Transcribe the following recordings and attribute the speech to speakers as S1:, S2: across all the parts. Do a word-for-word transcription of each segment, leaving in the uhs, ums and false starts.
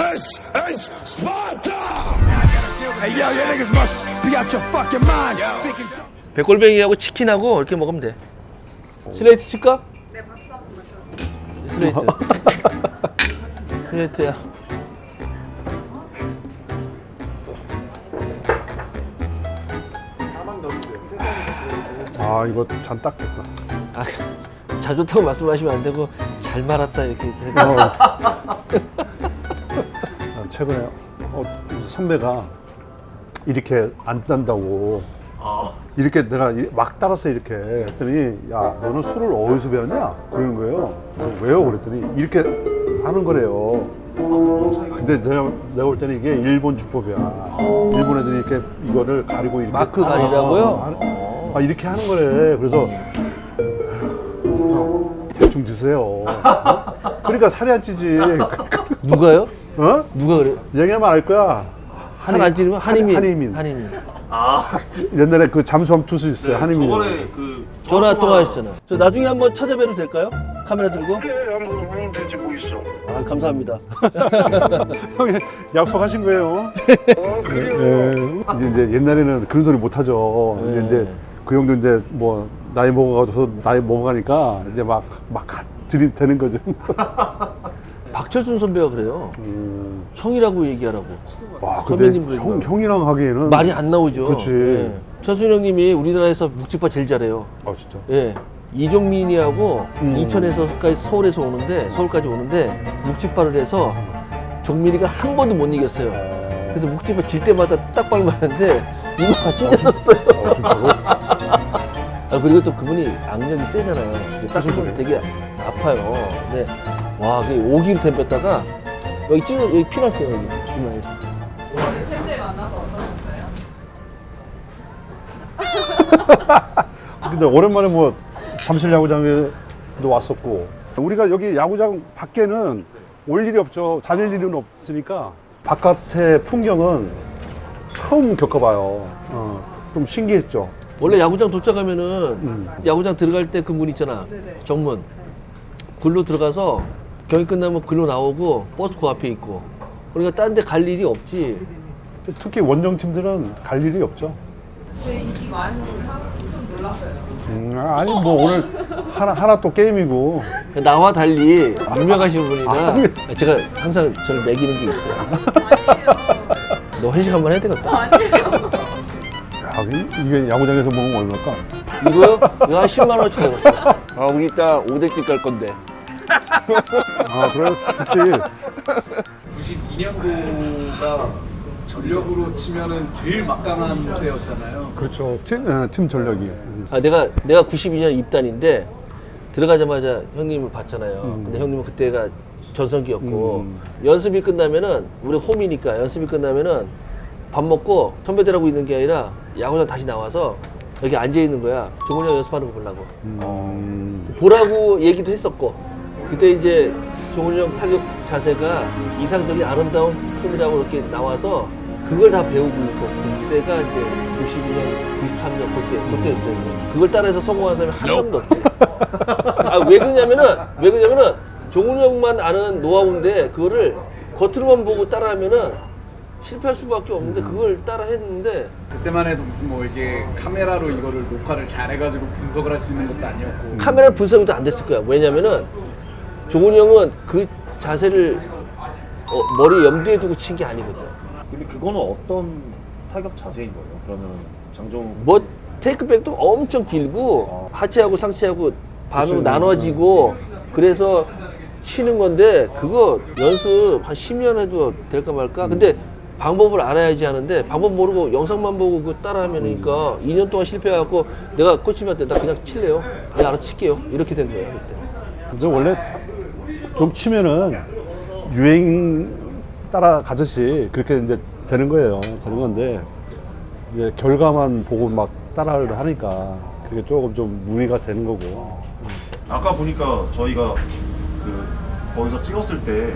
S1: This is Sparta!
S2: Hey yo, you niggas must be out your fucking mind. Thinking...
S3: 백골뱅이하고 치킨하고 이렇게 먹으면 돼. 슬레이트 칠까?
S4: 네, 박수 한번 마셔.
S3: 슬레이트. 슬레이트야.
S5: 아 이거 잔 딱 됐다.
S3: 아, 잘 좋다고 말씀하시면 안 되고 잘 말았다 이렇게 해야 돼.
S5: 어. 아, 최근에 어, 선배가 이렇게 안 딴다고 이렇게 내가 이- 막 따랐어 이렇게 했더니 야 너는 술을 어디서 배웠냐 그러는 거예요. 그래서 왜요 그랬더니 이렇게 하는 거래요. 근데 내가 내가 볼 때는 이게 일본 주법이야. 일본 애들이 이렇게 이거를 가리고 이렇게
S3: 마크 가리라고요?
S5: 아, 아, 이렇게 하는 거래. 그래서 형, 대충 드세요. 그러니까 살이 안 찌지.
S3: 누가요?
S5: 어?
S3: 누가 그래?
S5: 얘기하면 알 거야.
S3: 살 안 찌르면 한이민.
S5: 한이민.
S3: 한이민.
S5: 옛날에 그 잠수함 투수 있어요. 한이민.
S6: 저번에 그
S3: 전화 통화하셨잖아. 저 나중에 한번 찾아뵈도 될까요? 카메라 들고?
S1: 그래, 한번 오면 되지 뭐 있어.
S3: 아, 감사합니다.
S5: 형이 약속하신 거예요.
S1: 어, 그래요.
S5: 예. 이제 옛날에는 그런 소리 못 하죠.
S3: 네.
S5: 근데 이제 그 형도 이제 뭐 나이 먹어가지고 나이 먹어가니까 이제 막 막 드립 되는 거죠.
S3: 박철순 선배가 그래요.
S5: 음.
S3: 형이라고 얘기하라고.
S5: 와, 근데
S3: 선배님 부르지
S5: 형,
S3: 말고.
S5: 형이랑 하기에는
S3: 말이 안 나오죠.
S5: 그렇지.
S3: 예. 철순 형님이 우리나라에서 묵찌파 제일 잘해요.
S5: 아 진짜.
S3: 예. 이종민이하고
S5: 음.
S3: 이천에서까지 서울에서 오는데 서울까지 오는데 묵찌파를 해서 종민이가 한 번도 못 이겼어요. 그래서 묵찌파 질 때마다 딱발 맞는데 이마가 찢어졌어요.
S5: 아, 진짜로?
S3: 아, 그리고 또 그분이 악력이 세잖아요. 딱
S5: 무슨
S3: 좀 되게 아파요. 근데 와, 그 오 킬로그램 댐뺐다가 여기 찢어 여기 피 났어요 여기 이마에서.
S4: 오늘 팬들 만나서 어떠셨어요?
S5: 근데 오랜만에 뭐 잠실 야구장에도 왔었고 우리가 여기 야구장 밖에는 올 일이 없죠. 다닐 일은 없으니까 바깥의 풍경은 처음 겪어봐요. 어, 좀 신기했죠.
S3: 원래 야구장 도착하면은
S5: 음.
S3: 야구장 들어갈 때 그 문 있잖아.
S4: 네네.
S3: 정문. 글로 들어가서 경기 끝나면 글로 나오고 버스 그 앞에 있고. 그러니까 딴 데 갈 일이 없지.
S5: 특히 원정팀들은 갈 일이 없죠.
S4: 근데 인기 많은 걸 좀 놀랐어요.
S5: 음, 아니 뭐 오늘 하나 하나 또 게임이고
S3: 나와 달리 유명하신 분이라
S5: 아니.
S3: 제가 항상 저를 매기는 게 있어요.
S4: 아니에요.
S3: 너 회식 한번 해야 되겠다.
S4: 아니에요.
S5: 야, 이- 이게 야구장에서 먹으면 얼마일까?
S3: 이거요? 이거 한 십만 원어치 되겠어. 아, 우리 이따 오대집 갈 건데.
S5: 아 그래 좋지.
S6: 구십이 년도가 전력으로 치면은 제일 막강한 때였잖아요.
S5: 그렇죠. 팀, 예, 팀 전력이.
S3: 아, 내가 내가 구십이 년 입단인데 들어가자마자 형님을 봤잖아요. 근데 형님은 그때가 전성기였고
S5: 음.
S3: 연습이 끝나면은 우리 홈이니까 연습이 끝나면은 밥 먹고 선배들하고 있는 게 아니라 야구장 다시 나와서 여기 앉아 있는 거야. 종훈이 형 연습하는 거 보려고.
S5: 음,
S3: 보라고 얘기도 했었고 그때 이제 종훈이 형 타격 자세가 이상적인 아름다운 폼이라고 이렇게 나와서 그걸 다 배우고 있었을 때가 이제 구십이 년, 구십삼 년 그때 그때였어요. 그걸 따라해서 성공한 사람이 한 명도 없대. 아, 왜 그러냐면은 왜 그러냐면은 종훈이 형만 아는 노하우인데 그거를 겉으로만 보고 따라하면은 실패할 수밖에 없는데 그걸 따라 했는데
S6: 그때만 해도 무슨 뭐 이게 카메라로 이거를 녹화를 잘해가지고 분석을 할 수 있는 것도 아니었고.
S3: 카메라 분석도 안 됐을 거야. 왜냐면은 종훈이 형은 그 자세를 어, 머리 염두에 두고 친 게 아니거든.
S7: 근데 그거는 어떤 타격 자세인 거예요? 그러면 장정우
S3: 뭐 테이크백도 엄청 길고 하체하고 상체하고 반으로
S5: 그치.
S3: 나눠지고 그래서 치는 건데 그거 연습 한 십 년 해도 될까 말까. 근데 방법을 알아야지 하는데 방법 모르고 영상만 보고 그 따라하면니까 이 년 동안 실패해갖고 내가 코치님한테 나 그냥 칠래요. 내가 알아서 칠게요. 이렇게 된 거야 그때.
S5: 근데 원래 좀 치면은 유행 따라가듯이 그렇게 이제 되는 거예요. 되는 건데 이제 결과만 보고 막 따라를 하니까 그게 조금 좀 무리가 되는 거고.
S7: 아까 보니까 저희가 그 거기서 찍었을 때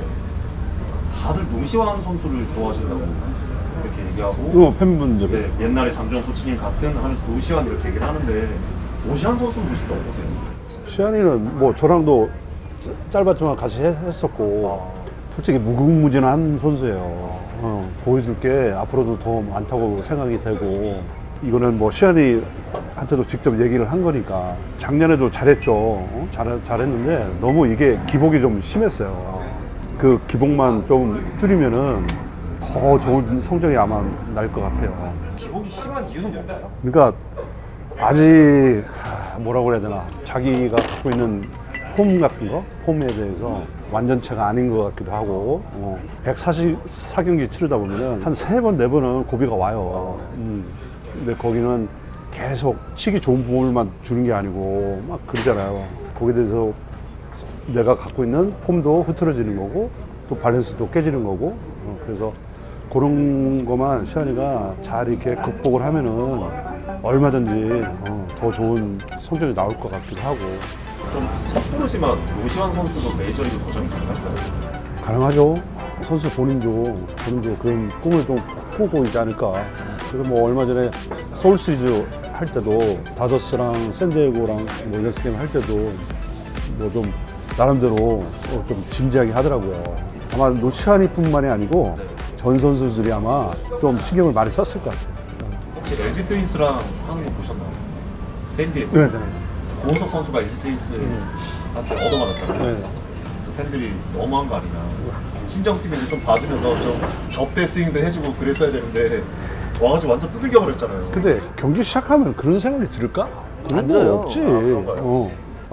S7: 다들 노시환 선수를 좋아하신다고 이렇게 얘기하고
S5: 어, 팬분들.
S7: 네, 옛날에 장정우 코치님 같은 하면서 노시환 이렇게 얘기를 하는데 노시환 선수는 보실 때 어떠세요?
S5: 시안이는 뭐 저랑도 짧았지만 같이 했- 했었고 솔직히 무궁무진한 선수예요. 어, 보여줄 게 앞으로도 더 많다고 생각이 되고, 이거는 뭐 시안이한테도 직접 얘기를 한 거니까 작년에도 잘했죠. 어? 잘, 잘했는데 너무 이게 기복이 좀 심했어요. 그 기복만 좀 줄이면은 더 좋은 성적이 아마 날 것 같아요.
S7: 기복이 심한 이유는 뭔가요?
S5: 그러니까 아직 하, 뭐라고 그래야 되나, 자기가 갖고 있는 폼 같은 거, 폼에 대해서 완전체가 아닌 것 같기도 하고, 어, 백사십사 경기 치르다 보면은 한 세 번, 네 번은 고비가 와요. 음. 근데 거기는 계속 치기 좋은 볼만 주는 게 아니고 막 그러잖아요. 거기에 대해서 내가 갖고 있는 폼도 흐트러지는 거고, 또 밸런스도 깨지는 거고, 어, 그래서 그런 것만 시안이가 잘 이렇게 극복을 하면은 얼마든지 어, 더 좋은 성적이 나올 것 같기도 하고.
S7: 좀 섣부르지만 노시환 선수도 메이저리그 도전이 가능할까요?
S5: 가능하죠. 선수 본인도 본인도 그런 꿈을 좀 꾸고 있지 않을까. 그래서 뭐 얼마 전에 서울 시리즈 할 때도 다저스랑 샌디에고랑 뭐 연습 게임 할 때도 뭐 좀 나름대로 어, 좀 진지하게 하더라고요. 아마 노시환이뿐만이 아니고 전 선수들이 아마 좀 신경을 많이 썼을 것 같아요.
S7: 혹시 엘지 트윈스랑 하는 거 보셨나요? 샌디에고.
S5: 네, 네.
S7: 고은석 선수가 엘지 트윈스한테 얻어맞았잖아요.
S5: 네.
S7: 그래서 팬들이 너무한 거 아니냐. 친정팀인데 좀 봐주면서 좀 접대 스윙도 해주고 그랬어야 되는데 와가지고 완전 두들겨 버렸잖아요.
S5: 근데 경기 시작하면 그런 생각이 들을까? 그런
S3: 안
S5: 거
S3: 들어요.
S5: 없지.
S7: 아, 그런가요?
S5: 어.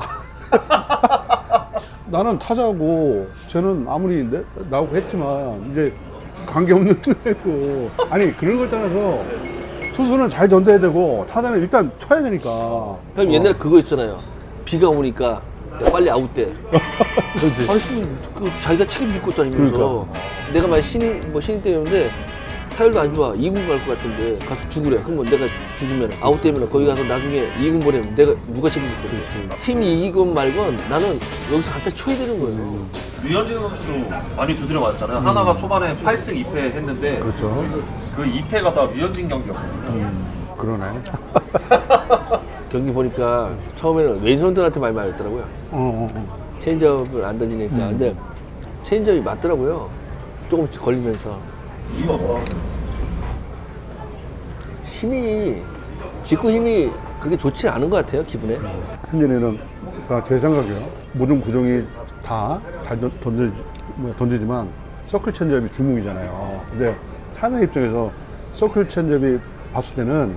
S5: 나는 타자고 쟤는 아무리 내, 나오고 했지만 이제 관계없는 애고, 아니 그런 걸 떠나서 투수는 잘 던져야 되고 타자는 일단 쳐야 되니까.
S3: 형 옛날에 그거 있잖아요. 비가 오니까 야, 빨리 아웃돼.
S5: 그렇지.
S3: 아니, 그 자기가 책임질 것도 아니면서.
S5: 그러니까.
S3: 내가 만약 신인, 뭐 신인 때였는데 타율도 안 좋아. 이 군 갈 것 같은데 가서 죽으래. 그러면 내가 죽으면 아웃되면 거기 가서 나중에 이 군 보내면 내가 누가 책임질 거야. 팀이 이기건 말건 나는 여기서 갖다 쳐야 되는 거예요.
S7: 류현진 선수도 많이 두드려 맞았잖아요. 하나가 초반에 팔 승 이 패 했는데
S5: 그렇죠.
S7: 그 이 패가 다 류현진 경기였거든요.
S5: 그러네.
S3: 경기 보니까 처음에는 왼손들한테 많이 맞았더라고요.
S5: 어, 어, 어.
S3: 체인지업을 안 던지니까. 근데 체인지업이 맞더라고요. 조금씩 걸리면서.
S7: 이유가 뭐야?
S3: 힘이, 직구 힘이 그게 좋지 않은 것 같아요, 기분에.
S5: 현진이는 아, 제 생각이요. 모든 구종이 다 잘 던지, 뭐, 던지지만 서클 체인지업이 주목이잖아요. 근데 타자 입장에서 서클 체인지업이 봤을 때는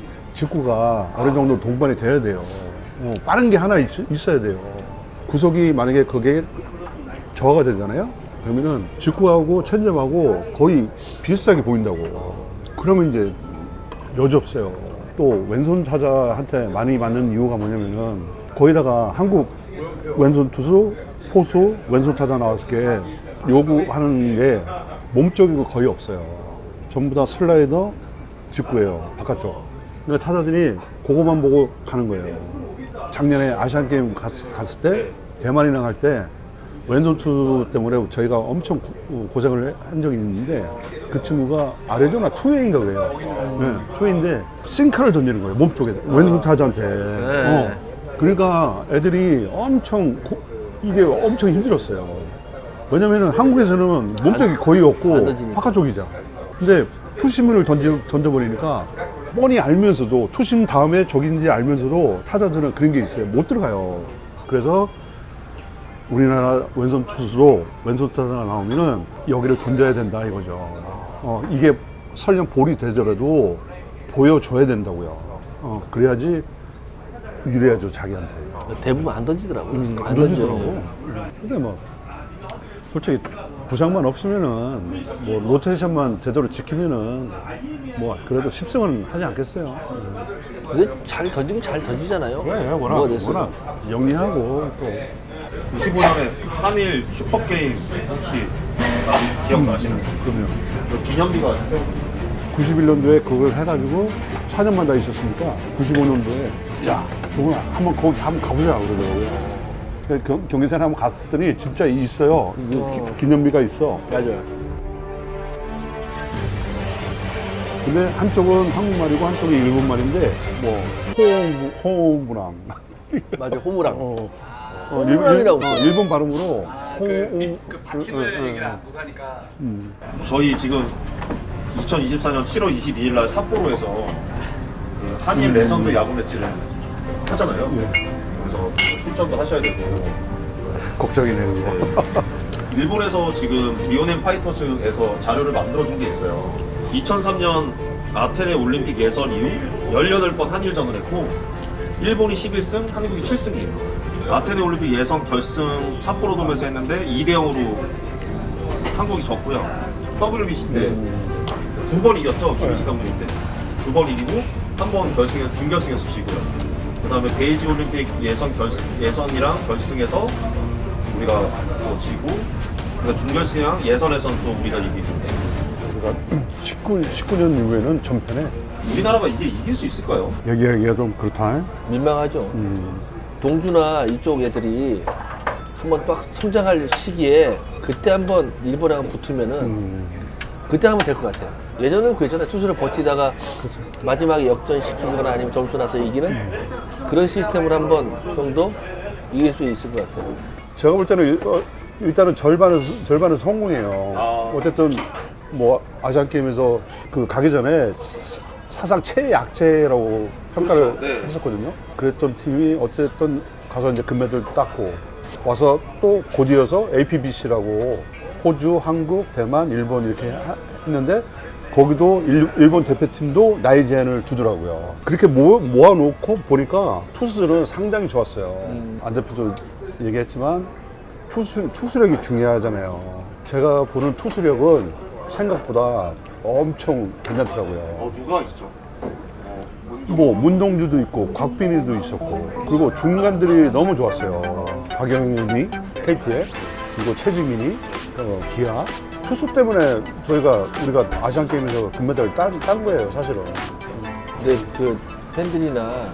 S5: 직구가 어느 정도 동반이 돼야 돼요. 어, 빠른 게 하나 있, 있어야 돼요. 구속이 만약에 그게 저하가 되잖아요. 그러면은 직구하고 체인지업하고 거의 비슷하게 보인다고. 그러면 이제 여지없어요. 또 왼손 타자한테 많이 맞는 이유가 뭐냐면은 거기다가 한국 왼손 투수, 포수, 왼손 타자 나왔을 때 요구하는 게 몸쪽이고 거의 없어요. 전부 다 슬라이더, 직구예요. 바깥쪽. 그러니까 타자들이 그거만 보고 가는 거예요. 작년에 아시안 게임 갔, 갔을 때 대만이랑 할 때 왼손 투수 때문에 저희가 엄청 고, 고생을 한 적이 있는데 그 친구가 아레조나 투웨이인가 그래요. 네, 투웨이인데 싱크를 던지는 거예요. 몸쪽에 왼손 타자한테. 어. 그러니까 애들이 엄청 고, 이게 엄청 힘들었어요. 왜냐면은 한국에서는 몸쪽이 거의
S3: 안
S5: 없고
S3: 던지니까.
S5: 바깥쪽이죠. 근데 투심을 던지, 던져버리니까 뻔히 알면서도 투심 다음에 저긴지 알면서도 타자들은 그런 게 있어요. 못 들어가요. 그래서 우리나라 왼손 투수도 왼손 타자가 나오면은 여기를 던져야 된다 이거죠. 어, 이게 설령 볼이 되더라도 보여줘야 된다고요. 어, 그래야지 유리하죠, 자기한테.
S3: 대부분 안 던지더라고요.
S5: 음,
S3: 안
S5: 안
S3: 던져요.
S5: 던지더라고. 근데 뭐 솔직히 부상만 없으면은 뭐 로테이션만 제대로 지키면은 뭐 그래도 십 승은 하지 않겠어요.
S3: 근데 잘 던지면 잘 던지잖아요.
S5: 그래, 워낙,
S3: 뭐가 됐어도.
S5: 워낙 영리하고 또
S7: 구십오 년에 한일 슈퍼게임 혹시 기억나시나요?
S5: 그러면
S7: 그 기념비가 있어요.
S5: 구십일 년도에 그걸 해가지고 사 년만 다 있었으니까 구십오 년도에 야, 저거 한번 거기 한번 가보자 그러더라고요. 그래서 경, 경기장에 한번 갔더니 진짜 있어요. 기, 기념비가 있어.
S3: 맞아요.
S5: 근데 한쪽은 한국말이고 한쪽이 일본말인데 뭐 호옹 호옹부랑
S3: 맞아요, 호무랑.
S5: 어, 어,
S3: 호랑이라고
S5: 어, 일본 발음으로
S6: 그, 그 받침을 얘기를 안 못하니까.
S7: 저희 지금 이천이십사 년 칠월 이십이일 날 삿포로에서 그 한일 레전드 야구 매치를 하잖아요. 그래서 출전도 하셔야 되고.
S5: 걱정이네요. 이거.
S7: 일본에서 지금 리오넨 파이터즈에서 자료를 만들어준 게 있어요. 이천삼 년 아테네 올림픽 예선 이후 열여덟 번 한일전을 했고 일본이 십일 승, 한국이 칠 승이에요. 아테네 올림픽 예선 결승 삿포로돔에서 했는데 이 대 영으로 한국이 졌고요. 더블유비씨 때 두 번 이겼죠. 김희식 감독님 때. 두 번 이기고 한 번 결승에 준결승에서 지고요. 그다음에 베이지 올림픽 예선 결승 예선이랑 결승에서 우리가 또 지고 그러니까 준결승이랑 예선에선 또 우리가 이기고.
S5: 우리가 십구, 십구 년 이후에는 전편에
S7: 우리나라가 이게 이길 수 있을까요?
S5: 얘기하기가 좀 그렇다.
S3: 민망하죠.
S5: 음.
S3: 동주나 이쪽 애들이 한번 막 성장할 시기에 그때 한번 일본이랑 붙으면은
S5: 음.
S3: 그때 하면 될 것 같아요. 예전에는 그랬잖아요. 투수를 버티다가 마지막에 역전시키거나 아니면 점수 나서 이기는 그런 시스템으로 한번 정도 이길 수 있을 것 같아요.
S5: 제가 볼 때는 일, 어, 일단은 절반은 절반은 성공해요.
S7: 아.
S5: 어쨌든 뭐 아시안 게임에서 그 가기 전에 사- 사상 최약체라고 평가를
S7: 그렇죠. 네.
S5: 했었거든요. 그랬던 팀이 어쨌든 가서 이제 금메달 땄고 와서 또 곧이어서 에이피비씨라고 호주, 한국, 대만, 일본 이렇게 하- 했는데 거기도 일, 일본 대표팀도 나이 제한을 두더라고요. 그렇게 모, 모아놓고 보니까 투수들은 상당히 좋았어요.
S3: 음.
S5: 안 대표도 얘기했지만 투수, 투수력이 중요하잖아요. 제가 보는 투수력은 생각보다 엄청 괜찮더라고요.
S7: 어 누가 있죠? 어, 문동-
S5: 뭐 문동주도 있고 곽빈이도 있었고 그리고 중간들이 너무 좋았어요. 박영현이 케이티에 그리고 최지민이 어, 기아 투수 때문에 저희가 우리가 아시안 게임에서 금메달을 딴, 딴 거예요, 사실은.
S3: 근데 그 팬들이나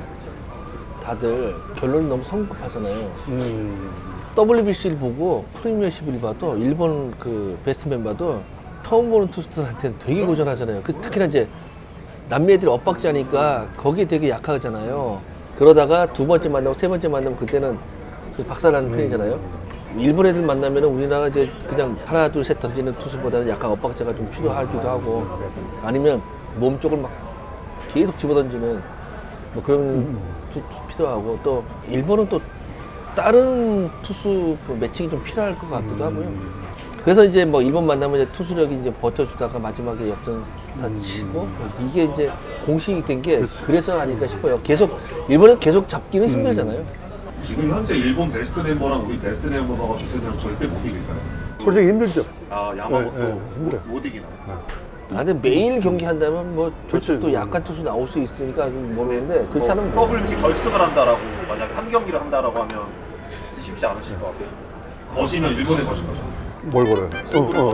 S3: 다들 결론이 너무 성급하잖아요.
S5: 음,
S3: 더블유비씨를 보고 프리미어십을 봐도 일본 그 베스트맨 봐도 처음 보는 투수들한테는 되게 고전하잖아요. 그 특히나 이제 남미 애들이 엇박자니까 거기에 되게 약하잖아요. 그러다가 두 번째 만나고 세 번째 만나면 그때는 그 박살나는 편이잖아요. 일본 애들 만나면 우리나라 이제 그냥 하나 둘 셋 던지는 투수보다는 약간 엇박자가 좀 필요하기도 하고 아니면 몸 쪽을 막 계속 집어던지는 뭐 그런 투, 투 필요하고 또 일본은 또 다른 투수 그 매칭이 좀 필요할 것 같기도 하고요. 그래서 이제 뭐 일본 만나면 이제 투수력이 이제 버텨주다가 마지막에 역전 다 치고 이게 이제 공식이 된 게 그래서 아닐까 싶어요. 계속 일본은 계속 잡기는 힘들잖아요.
S7: 지금 현재 일본 베스트 멤버랑 우리 베스트 멤버가 붙으면 절대 못 이길까요?
S5: 솔직히 힘들죠.
S7: 아 야마모토
S5: 네, 네, 힘들어요.
S7: 못, 못 이기나?
S3: 아, 근데 매일 경기 한다면 뭐
S5: 그렇지.
S3: 저쪽 또 약한 투수 나올 수 있으니까 좀 모르는데 그렇지 않으면 뭐.
S7: 더블유비씨 결승을 한다라고 만약 한 경기를 한다라고 하면 쉽지 않으실 것 같아요. 거시면 일본에 거신 거죠.
S5: 뭘 걸어요? 어, 어.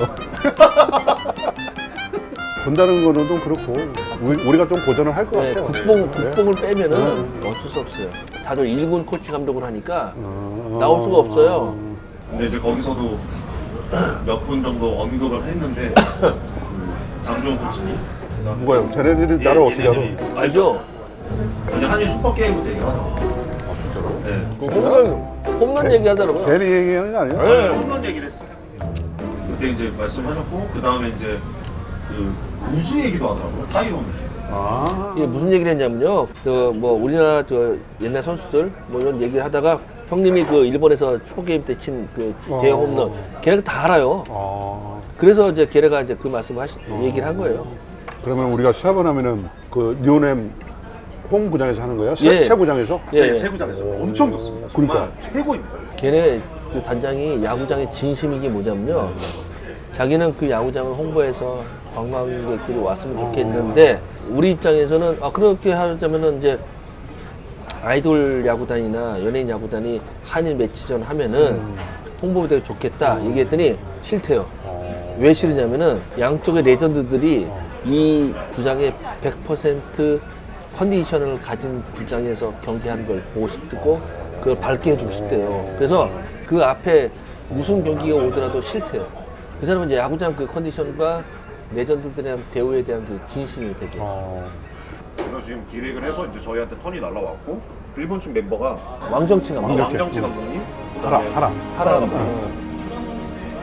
S5: 본다는 거는 좀 그렇고 우리, 우리가 좀 고전을 할 것
S3: 네,
S5: 같아요.
S3: 국뽕,
S5: 네.
S3: 국뽕을 빼면은 어쩔 수 없어요. 다들 일군 코치 감독을 하니까
S5: 어,
S3: 나올 수가 없어요.
S7: 근데 이제 거기서도 몇 분 정도 언급을 했는데 그 장주원 코치님
S5: 뭐야? 쟤네들이 나를 어떻게 알아?
S7: 얘네들이
S3: 알죠?
S7: 아니 한일 슈퍼게임부터 얘기를 하더라고요.
S5: 아, 진짜로?
S7: 네.
S3: 그 홈런, 홈런 얘기하더라고요.
S5: 괜히 얘기하는 게 아니에요?
S3: 네.
S7: 홈런 얘기를 했어요. 그때 이제 말씀하셨고 그 다음에 이제 그 우지 얘기도 하더라고요. 타이론 우지.
S5: 아,
S3: 이게 무슨 얘기를 했냐면요. 저 뭐 우리나라 저 옛날 선수들 뭐 이런 얘기를 하다가 형님이 그 일본에서 슈퍼게임 때 친 그 대형 홈런 걔네가 다 알아요.
S5: 아.
S3: 그래서 이제 걔네가 이제 그 말씀을 하시, 얘기를 한 거예요.
S5: 그러면 우리가 시합을 하면은 그 리오넴 홈구장에서 하는 거예요? 세,
S3: 예.
S5: 세구장에서?
S3: 예,
S7: 네,
S3: 예.
S7: 세구장에서 엄청 좋습니다. 정말
S5: 그러니까.
S7: 최고입니다.
S3: 걔네 그 단장이 야구장의 진심인 게 뭐냐면요. 자기는 그 야구장을 홍보해서 관광객들이 왔으면 좋겠는데 우리 입장에서는 아 그렇게 하자면은 이제 아이돌 야구단이나 연예인 야구단이 한일 매치전 하면은 홍보가 되게 좋겠다 얘기했더니 싫대요. 왜 싫으냐면은 양쪽의 레전드들이 이 구장의 백 퍼센트 컨디션을 가진 구장에서 경기하는 걸 보고 싶고 그걸 밝게 해주고 싶대요. 그래서 그 앞에 무슨 경기가 오더라도 싫대요. 그 사람은 이제 야구장 그 컨디션과 레전드들에 대한 배우에 대한 그 진심이 되게.
S5: 어.
S7: 그래서 지금 기획을 해서 이제 저희한테 턴이 날라왔고 일본 측 멤버가
S3: 왕정치가
S7: 아,
S3: 왕정.
S7: 왕정치 감독님
S5: 하라,
S7: 그다음에
S5: 하라.
S3: 하라.
S7: 감독,
S3: 어.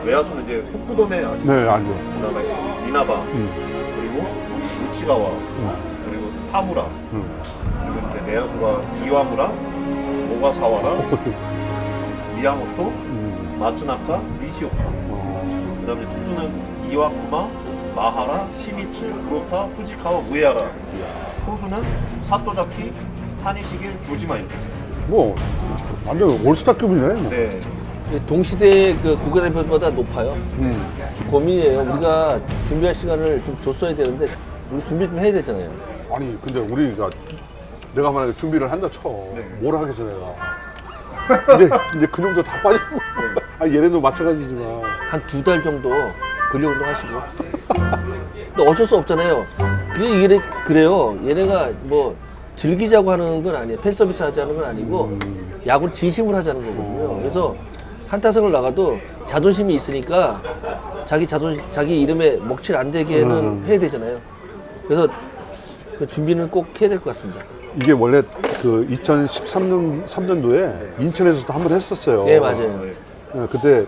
S7: 외야수는 이제 후쿠도메 아시죠?
S5: 네, 알죠.
S7: 그다음에 미나바
S5: 음.
S7: 그리고 우치가와 그리고 타무라
S5: 음.
S7: 그리고 이제 내야수가 이와무라, 오가사와라, 미야모토,
S5: 음.
S7: 마츠나카, 니시오카.
S5: 어.
S7: 그다음에 투수는 이와쿠마, 마하라, 시미츠, 구로타, 후지카와 우에하라. 포수는 사토자키, 타니시게, 조지마 이렇게.
S5: 뭐 완전 올스타급이네. 뭐.
S7: 네.
S3: 동시대 그 국가대표보다 높아요.
S5: 음.
S3: 고민이에요. 우리가 준비할 시간을 좀 줬어야 되는데 우리 준비 좀 해야 되잖아요.
S5: 아니 근데 우리가 내가 만약에 준비를 한다 쳐.
S7: 네.
S5: 뭘 하겠어 내가. 이제 이제 근육도 다 빠지고. 아 얘네도 마찬가지지만.
S3: 한 두 달 정도 근력 운동 하시고. 근데 어쩔 수 없잖아요. 그게 얘네 그래요. 얘네가 뭐 즐기자고 하는 건 아니에요. 팬 서비스 하자는 건 아니고 야구를 진심으로 하자는 거거든요. 그래서 한타석을 나가도 자존심이 있으니까 자기 자존 자기 이름에 먹칠 안 되게는
S5: 음.
S3: 해야 되잖아요. 그래서 그 준비는 꼭 해야 될 것 같습니다.
S5: 이게 원래 그 이천십삼 년 삼 년도에 인천에서도 한 번 했었어요.
S3: 네, 맞아요.
S5: 예, 그때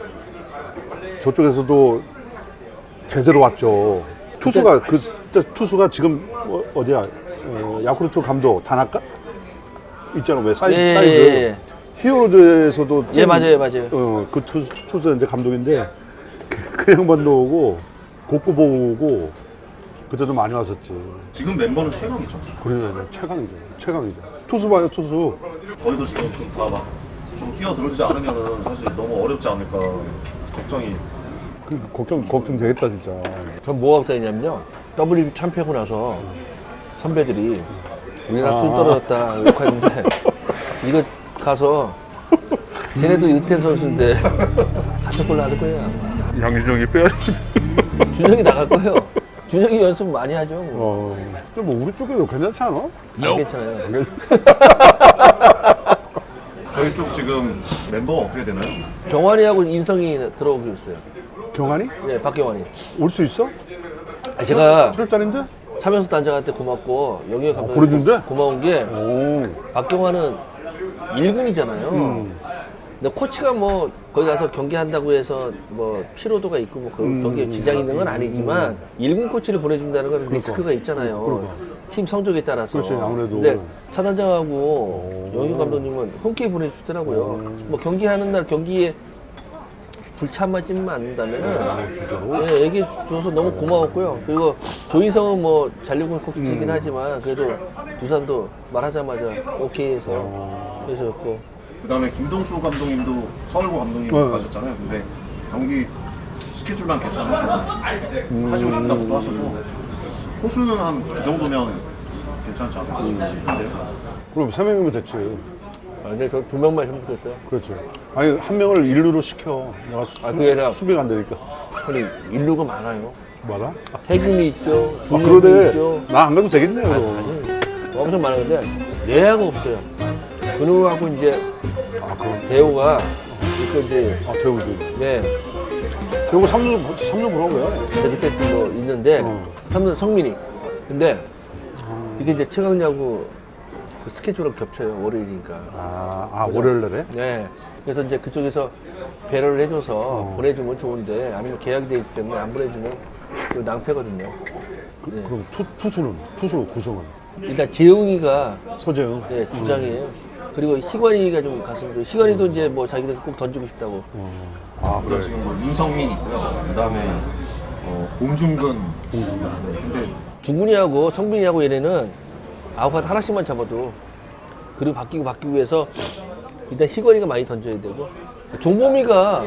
S5: 저쪽에서도 제대로 왔죠. 투수가 그 진짜 투수가 지금 어, 어디야 어, 야쿠르트 감독 다나카 있잖아 왜 사이드
S3: 예,
S5: 사이드
S3: 예, 예.
S5: 히어로즈에서도
S3: 예, 맞아요, 맞아요.
S5: 어그 투수 투수 이제 감독인데 그, 그 양반도 오고 곡구 보고 그때도 많이 왔었지.
S7: 지금 멤버는 최강이죠.
S5: 그러네 최강이죠 최강이죠. 투수 봐요 투수.
S7: 저희도 지금 좀 다 막 좀 뛰어들어오지 않으면은 사실 너무 어렵지 않을까 걱정이.
S5: 그 걱정 걱정 되겠다 진짜.
S3: 전 뭐가 걱정이냐면요. 더블유비씨 참패하고 나서 선배들이 우리나라 술
S5: 아.
S3: 떨어졌다 욕하는데 이거 가서 쟤네도 이태 선수인데 같은 골 나갈 거예요. 아마.
S5: 양준영이 빼야지.
S3: 준영이 나갈 거예요. 준영이 연습 많이 하죠. 뭐.
S5: 어. 근데 뭐 우리 쪽에도 괜찮지 않아?
S3: 안 괜찮아요.
S7: 저희 쪽 지금 멤버가 어떻게 되나요?
S3: 경환이하고 인성이 들어오기로 했어요.
S5: 경환이?
S3: 네, 박경환이.
S5: 올 수 있어?
S3: 아, 제가
S5: 출전인데?
S3: 차명수 단장한테 고맙고 영희 감독한테
S5: 보내준대?
S3: 고마운 게
S5: 오.
S3: 박경환은 일 군이잖아요.
S5: 음.
S3: 근데 코치가 뭐 거기 가서 경기한다고 해서 뭐 피로도가 있고 뭐 그
S5: 음.
S3: 경기에 지장이 있는 건 아니지만 일 군 코치를 보내준다는 건 리스크가 있잖아요.
S5: 그러니까.
S3: 팀 성적에 따라서.
S5: 그렇지, 아무래도.
S3: 근데 차 단장하고 영희 감독님은 흔쾌히 보내주시더라고요. 뭐 경기하는 날 경기에 불참만 찌면 않는다면은
S5: 진짜로?
S3: 네, 얘기해 줘서 너무 고마웠고요. 그리고 조인성은 뭐 잔류군
S5: 음.
S3: 코치이긴 하지만 그래도 두산도 말하자마자 오케이 해서
S5: 어.
S3: 해줬고
S7: 그다음에 김동수 감독님도 서울고 감독님
S5: 네.
S7: 가셨잖아요. 근데 경기 스케줄만 괜찮으시고
S5: 음.
S7: 하시고 싶다고도 하셔서 호수는 한 그 정도면 괜찮지 않을까 싶은데.
S5: 그럼 세 명이면 됐지.
S3: 아, 근데 저 두 명만 힘들었어요.
S5: 그렇지. 아니 한 명을 일루로 시켜. 내가 수,
S3: 아, 그게 아니라-
S5: 수비가 안 되니까.
S3: 근데 인류가 많아요.
S5: 뭐라?
S3: 태균이 있죠,
S5: 아
S3: 준혁이
S5: 그러네.
S3: 있죠.
S5: 나 안 가도 되겠네요.
S3: 엄청 많은데 내야가 없어요. 근우하고 이제
S5: 아 그럼.
S3: 대호가 그 이제
S5: 아 대우지.
S3: 네
S5: 대우 삼 루 삼 루 보라고 해.
S3: 근데 밑에 뭐 있는데
S5: 어.
S3: 삼성 성민이 근데 이게 이제 최강야구 그 스케줄을 겹쳐요. 월요일이니까.
S5: 아, 아 월요일 날에?
S3: 네. 그래서 이제 그쪽에서 배려를 해줘서
S5: 어.
S3: 보내주면 좋은데 아니면 계약이 돼 있기 때문에 안 보내주면 그 낭패거든요.
S5: 그,
S3: 네.
S5: 그럼 투, 투수는? 투수 구성은?
S3: 일단 재웅이가
S5: 서재영?
S3: 네, 주장이에요. 그리고 희관이가 좀 갔으면 좋 희관이도 이제 뭐 자기들 꼭 던지고 싶다고.
S5: 어. 아
S7: 그리고
S5: 그래.
S7: 지금 뭐 윤성민 있고요. 그다음에 어, 봉준근. 근데
S3: 중근이하고 성빈이하고 얘네는 아웃카드 하나씩만 잡아도 그리고 바뀌고 바뀌고 해서 일단 희관이가 많이 던져야 되고 종범이가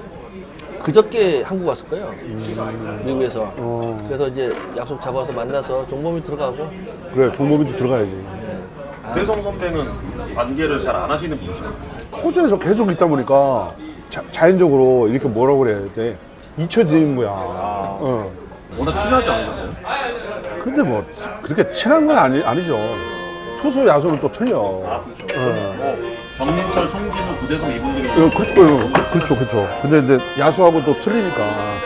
S3: 그저께 한국 왔을 거예요. 미국에서.
S5: 어.
S3: 그래서 이제 약속 잡아서 만나서 종범이 들어가고
S5: 그래 종범이도 들어가야지.
S7: 대성 선배는 관계를 잘 안 하시는 분이죠.
S5: 호주에서 계속 있다 보니까 자, 자연적으로 이렇게 뭐라고 그래야 돼? 잊혀지는 거야. 어.
S7: 워낙 친하지 않으셨어요?
S5: 근데 뭐 그렇게 친한 건 아니, 아니죠. 투수 야수는 또 틀려.
S7: 아 그렇죠.
S5: 어.
S7: 뭐 정민철, 송진우, 구대성 이분들이
S5: 어, 그렇죠, 어, 그렇죠, 그렇죠. 근데 이제 야수하고 또 틀리니까.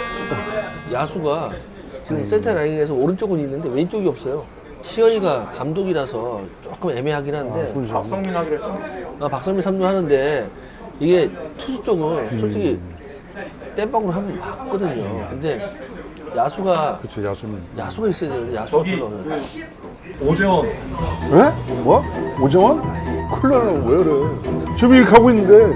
S3: 야수가 지금 센터 라인에서 오른쪽은 있는데 왼쪽이 없어요. 시현이가 감독이라서 조금 애매하긴 한데
S5: 손이 좀-
S7: 박성민 하기로 했잖아요.
S3: 아, 박성민 삼 루 하는데 이게 투수 쪽은 솔직히 땜빵으로 한번 봤거든요. 근데 야수가
S5: 그치, 야수는.
S3: 야수가 있어야 돼요. 야수가
S7: 저기
S3: 필요하면.
S7: 그 오재원
S5: 에? 뭐? 오정원? 큰일 나네. 왜 그래? 지금 이렇게 하고 있는데.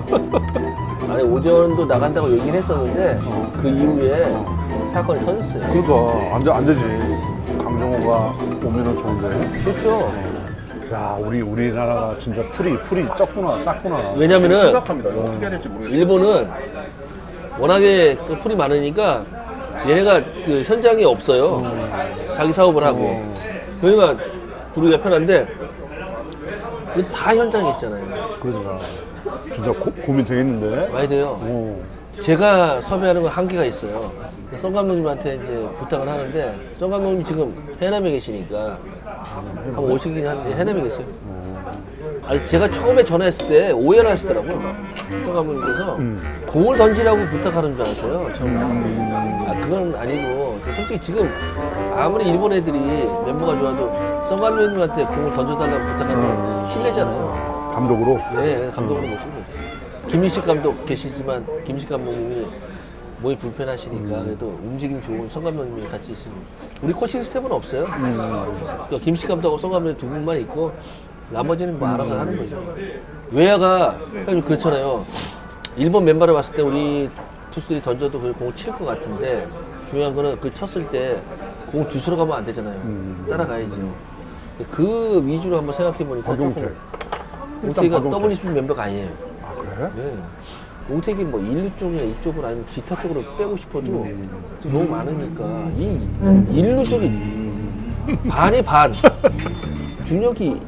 S3: 아니 오재원도 나간다고 얘기는 했었는데 그 이후에 사건이 터졌어요.
S5: 그러니까, 안, 돼- 안 되지. 강정호가 오면은 좋은데.
S3: 그렇죠.
S5: 야, 우리, 우리나라가 진짜 풀이, 풀이 적구나, 작구나.
S3: 왜냐면은
S7: 심각합니다. 이거 어떻게 해야 될지 모르겠어요.
S3: 일본은 워낙에 그 풀이 많으니까 얘네가 그 현장이 없어요. 자기 사업을 하고. 그러니까 부르기가 편한데 이거 다 현장에 있잖아요.
S5: 그러니까. 진짜 고, 고민 되겠는데?
S3: 많이 돼요.
S5: 어.
S3: 제가 섭외하는 건 한계가 있어요. 성 감독님한테 이제 부탁을 하는데 성 감독님 지금 해남에 계시니까 한번 오시긴 한데 해남에 계세요. 아니 제가 처음에 전화했을 때 오해를 하시더라고요. 성 감독님께서 공을 던지라고 부탁하는 줄 알았어요. 처음에. 아 그건 아니고 솔직히 지금 아무리 일본 애들이 멤버가 좋아도 성 감독님한테 공을 던져달라고 부탁하는 건 실례잖아요.
S5: 감독으로?
S3: 네, 감독으로 모시고. 김인식 감독 계시지만 김인식 감독님이 몸이 불편하시니까 그래도 움직임 좋은 성 감독님이 같이 있으면 우리 코칭 스텝은 없어요. 그러니까 김인식 감독하고 성 감독님 두 분만 있고 나머지는 뭐 알아서 하는 거죠. 외야가 형님 그렇잖아요. 일본 멤버를 봤을 때 우리 투수들이 던져도 그 공을 칠 것 같은데 중요한 거는 그 쳤을 때 공 주스러 가면 안 되잖아요. 따라가야죠. 그 위주로 한번 생각해 보니까
S5: 박용택.
S3: 조금 옹택이가
S5: 박용택.
S3: 더블유스피 멤버가 아니에요.
S5: 아, 그래?
S3: 네. 옹택이 뭐 일루 쪽이나 이쪽으로 아니면 기타 쪽으로 빼고 싶어도 지금 너무 많으니까 이 일루 쪽이 반이 반. 준혁이,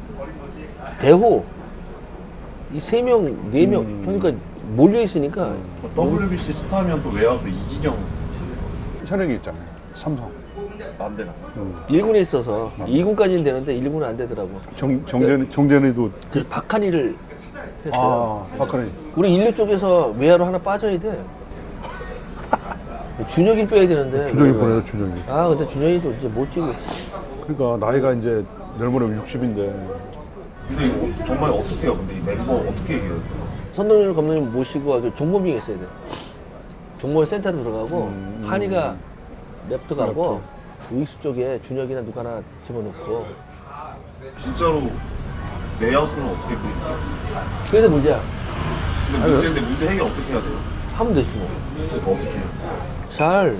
S3: 대호 이 세 명, 네 명 그러니까 몰려 있으니까
S7: 더블유비씨 스타면 또 외야수 이진영
S5: 현역이 있잖아요. 삼성.
S7: 안 되나?
S3: 일 군에 있어서 이 군까지는 되는데 일 군은 안 되더라고.
S5: 정, 정재는, 정재는도.
S3: 그래서 박한이를 했어요.
S5: 아, 박근혜.
S3: 우리 일루 쪽에서 외야로 하나 빠져야 돼. 준혁이 빼야 되는데.
S5: 준영이 보내요, 준영이.
S3: 아 근데 준혁이도 이제 못 뛰고.
S5: 그러니까 나이가 이제 내일 모레 육십인데.
S7: 근데 이거 정말 어떻게 해요? 근데 이 멤버 어떻게 이겨요?
S3: 선동열 감독님 모시고 아주 종범이 있어야 돼. 종범 센터로 들어가고
S5: 음,
S3: 한이가 랩트 가고 우익수 쪽에 준혁이나 누가 하나 집어넣고.
S7: 진짜로 내야수는 어떻게 보이나요?
S3: 그래서 문제야.
S7: 근데 문제인데 문제 해결 어떻게 해야 돼요?
S3: 하면 되지 뭐.
S7: 그러니까 어떻게 해요?
S3: 잘.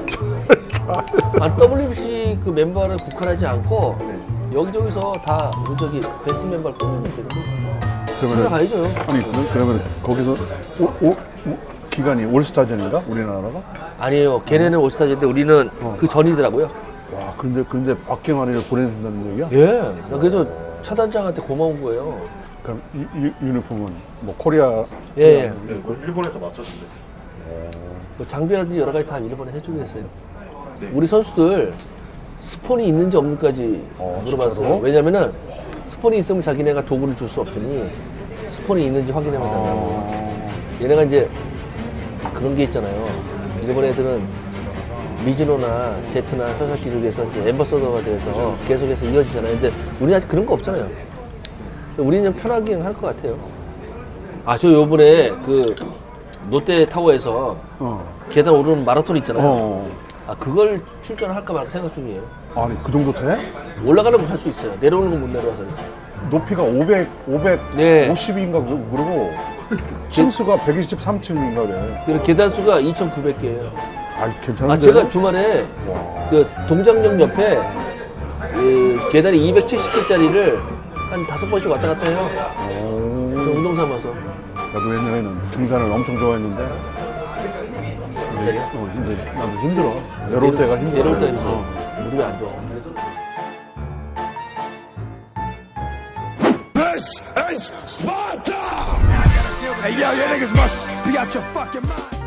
S3: 아, 더블유비씨 그 멤버를 국한하지 않고 여기저기서 다 우리 저기 베스트 멤버를 뽑으면 되는 거야.
S5: 그러면
S3: 가야죠.
S5: 아니 그럼- 그러면 거기서 오, 오, 뭐, 기간이 올스타전인가 우리나라가?
S3: 아니에요. 걔네는 올스타즈인데 우리는 그 전이더라고요.
S5: 와 근데 근데 박경환이를 보내준다는 얘기야?
S3: 예. 나 그래서 차단장한테 고마운 거예요.
S5: 그럼 이, 이 유니폼은 뭐 코리아
S3: 예. 예.
S7: 네, 그걸 일본에서 맞춰준댔어요.
S3: 그 장비라든지 여러 가지 다 일본에 해주고 했어요.
S7: 네.
S3: 우리 선수들 스폰이 있는지 없는지까지
S5: 어,
S3: 물어봤어요.
S5: 진짜로?
S3: 왜냐면은 스폰이 있으면 자기네가 도구를 줄 수 없으니 스폰이 있는지 확인해 달라고.
S5: 어,
S3: 얘네가 이제 그런 게 있잖아요. 일본 애들은 미즈노나 제트나 사사키를 위해서 이제 엠버서더가 돼서 계속해서 이어지잖아요. 근데 우리는 아직 그런 거 없잖아요. 우리는 편하게 할 것 같아요. 아, 저 요번에 그 롯데타워에서
S5: 어.
S3: 계단 오르는 마라톤 있잖아요.
S5: 어.
S3: 아, 그걸 출전할까 말까 생각 중이에요.
S5: 아니 그 정도 돼?
S3: 올라가는 건 할 수 있어요. 내려오는 건 못 내려와서.
S5: 높이가 오백,
S3: 네.
S5: 오백오십인가 그러고 층수가 백이십삼 층인가 그래.
S3: 그리고 계단 수가 이천구백 개예요.
S5: 아
S3: 아,
S5: 괜찮은데?
S3: 제가 주말에 그 동장역 옆에 그 계단이 이백칠십 개짜리를 한 다섯 번씩 왔다 갔다 해요.
S5: 오.
S3: 그 운동 삼아서.
S5: 나도 옛날에는 등산을 엄청 좋아했는데 이제, 어, 이제 나도 힘들어. 내려올 때가 힘들어.
S3: 내려올 때가 힘들어.
S5: 어.
S3: 무릎이 안 좋아.
S1: This is Sparta!
S2: Hey, yo, you niggas must be out your fucking mind.